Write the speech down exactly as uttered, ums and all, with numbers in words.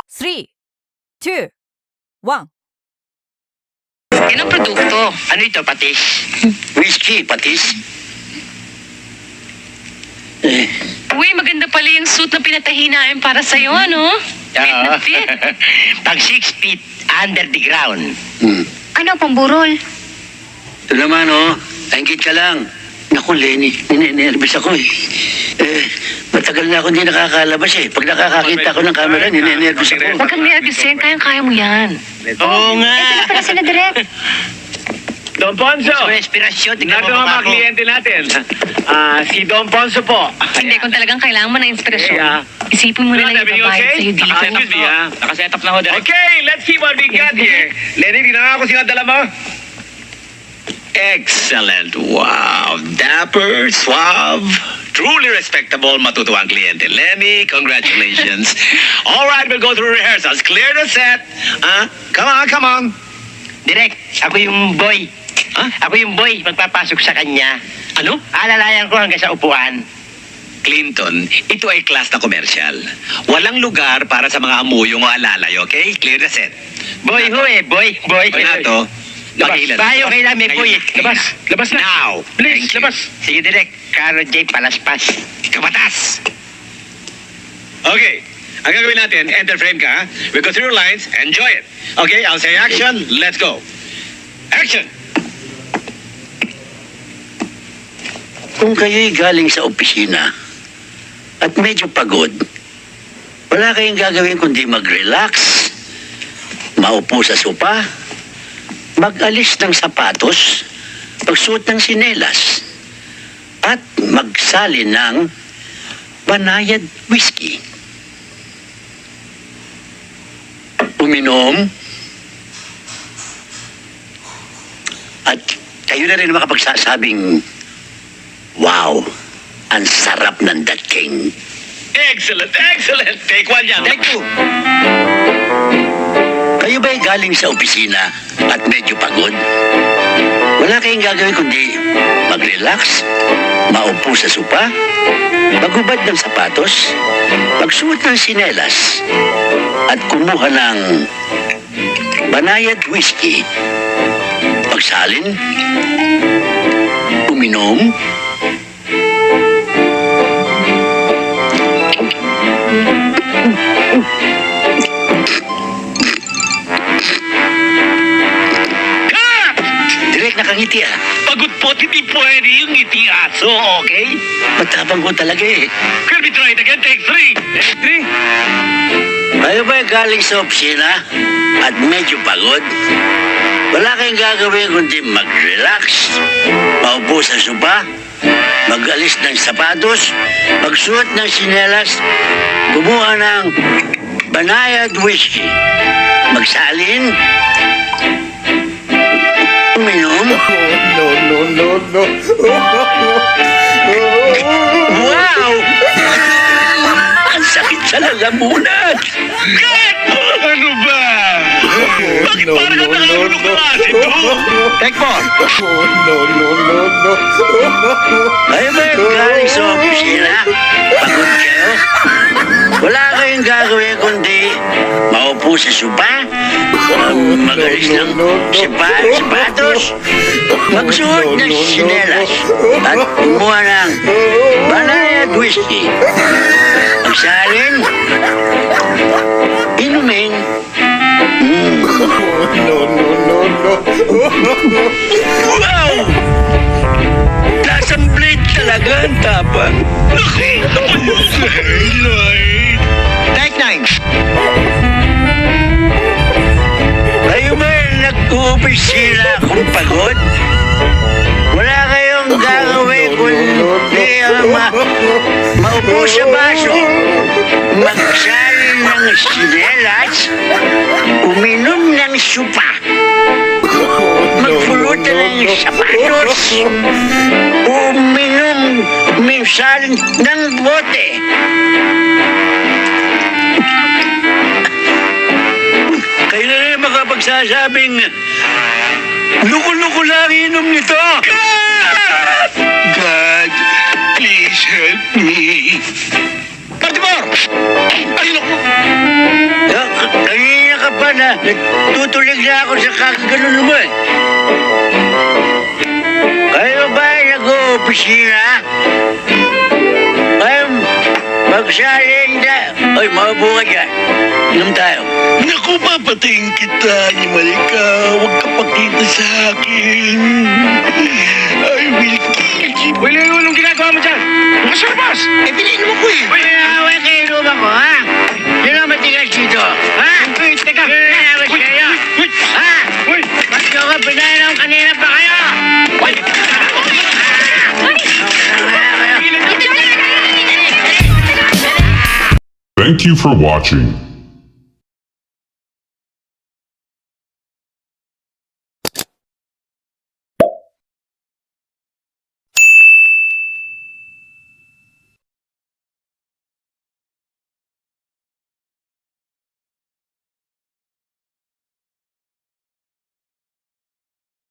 three, two, one. Yan ang produkto. Ano ito, patis? Whiskey, patis? Eh, Uy, maganda pala yung suit na pinatahi namin para sa'yo, ano? Fit na oo. fit. Pag six feet under the ground. Hmm. Ano, pamburol? Ito naman, oh. Tangkit ka lang. Naku, Lenny, ninenervous ako eh. Eh, matagal na ako hindi nakakalabas eh. Pag nakakakita ko ng camera, ninenervous ako. Huwag kang nervous yan. Kayang-kaya mo yan. Oo nga. Ito na pala sila direct. Don Ponso, Gusto mo inspirasyon? Tingnan nato mo ang mga mukha ko. kliyente natin. Ah, si Don Ponso po. Hindi, kung talagang kailangan mo ng inspirasyon, Yeah. isipin mo na lang Everything yung babayad okay? sa'yo dito. Ah, excuse me, ah. Nakaset up na ho, direct. Okay, let's see what we got here. Lenny, tingnan nga ako sino dala mo. Excellent. Wow. Dapper, suave, truly respectable, matutuwang kliyente. Lenny, congratulations. All right, we'll go through rehearsals. Clear the set. Huh? Come on, come on. Direk, ako yung boy. Huh? Ako yung boy, magpapasok sa kanya. Ano? Alalayan ko hanggang sa upuan. Clinton, ito ay class na commercial. Walang lugar para sa mga amuyong o alalay, okay? Clear the set. Boy ho eh, boy, boy. Renato, makilan. Tayo kailan may boy eh. Labas, labas na. Now. Please, Thank you. labas. Sige, Direk. Carlo J. Palaspas. Kabatas! Okay. Ang gagawin natin, enter frame ka, ha? We go through your lines, enjoy it. Okay, I'll say action, let's go. Action! Kung kayo'y galing sa opisina at medyo pagod, wala kayong gagawin kundi mag-relax, maupo sa sopa, mag-alis ng sapatos, magsuot ng sinelas, at magsali ng banayad whiskey. Uminom, at kayo na rin makapagsasabing, wow, ang sarap ng Dat King. Excellent, excellent. Take one yan. Take two. Kayo ba'y galing sa opisina at medyo pagod? Wala kayong gagawin kundi mag-relax, maupo sa sopa, maghubad ng sapatos, magsuot ng sinelas, at kumuha ng banayad whiskey. Magsalin, uminom, direct nakangiti ah. Pagod po, hindi pwede yung ngiti aso, okay? Matapang ko talaga eh. Can we try it again? Take three. Take three. Kayo ba'y galing sa opisina at medyo pagod? Wala kayong gagawin kundi mag-relax, maupo sa sopa, mag-alis ng sapatos, magsuot ng sinelas, kumuha ng banayad whiskey, magsalin, uminom. No, no, no, no. Wow! Ang sakit sa lalamunan! Ano ba? Bakit No, parang no, ang nakahulog no, na asin to? Take four. No, no, no, no. Kayo ba'y galing sa opisina? Pagod kayo? Wala kayong gagawin kundi maupo sa sopa, um, magalis ng sipa, sapatos, magsuot ng sinelas, at kumuha ng banayad whiskey. Magsalin, inumin, mm, No, no, no, no. wow! Lasang blade talaga ang tapang. Nakita ko yung highlight. Take nine. Kayo ba nag-uopisina kung pagod? Wala kayong gagawin kundi uh, ma maupo sa baso, magsalin ng sinelas, uminom ng supa, magpulutan ng sapatos, uminom minsan ng bote. Kayo na rin makapagsasabing, luko-luko lang inom nito. God, please help me. Baltimore! Ay, naku! Ah, na. Natutulig na ako sa kakaganon mo eh. Kayo ba ay nag-o-opisina? Kayo magsaling na... Ay, maupo ka dyan. Inom tayo. Naku, papatayin kita, animal ka. Huwag ka pakita sa akin. I will kill you. Uy, Lenny, anong ginagawa mo dyan? Bukas sa labas! Eh, piliin mo ko eh. Uy, nawaway kayo luma ko, ha? Sino ang matigas dito? Ha? Uy, teka! Sino na nawaway kayo? Uy! Ha? Uy! Ba't nyo ka pinayalang kanina pa kayo? Uy! Thank you for watching.